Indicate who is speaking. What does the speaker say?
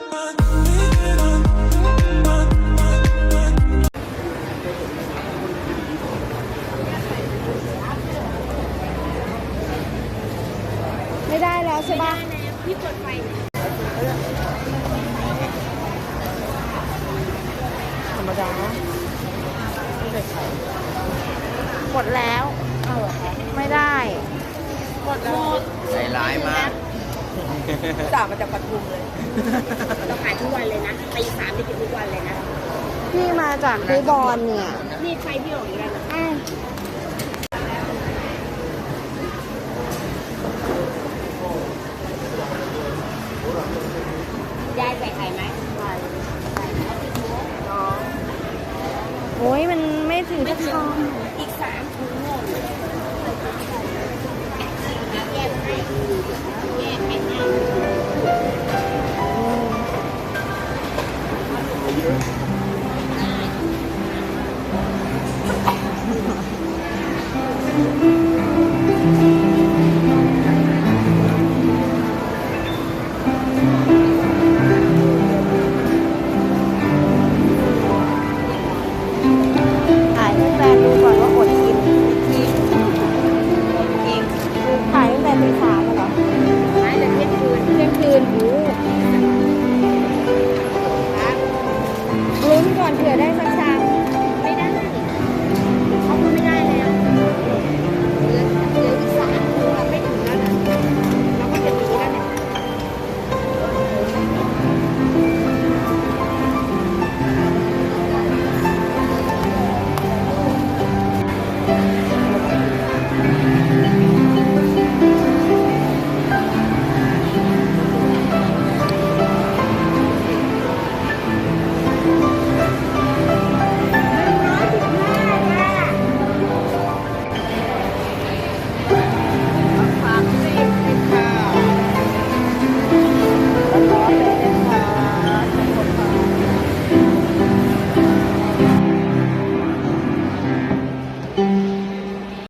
Speaker 1: ไม่ได้แล้วใช่ปะ
Speaker 2: พี่กดไฟ
Speaker 1: ธรรมดาหมดแล้วเอาเหรอคะไม่ได้หมดแล้ว
Speaker 3: ใจร้ายมาก
Speaker 1: จ่ามาจากปทุมเลย
Speaker 2: เราขายทุกวันเลยนะตี3ไปกินทุกวันเลยนะ
Speaker 1: พี่มาจากคูบอลเนี่ย
Speaker 2: นี่ไฟพี่ออกอีกแล้วนะยายใส่ไข่ไหมใส่
Speaker 1: โอ้ยมันไม่ถึงจะทอง
Speaker 2: อีก3 ถุงโน่นแยกให้แยกให้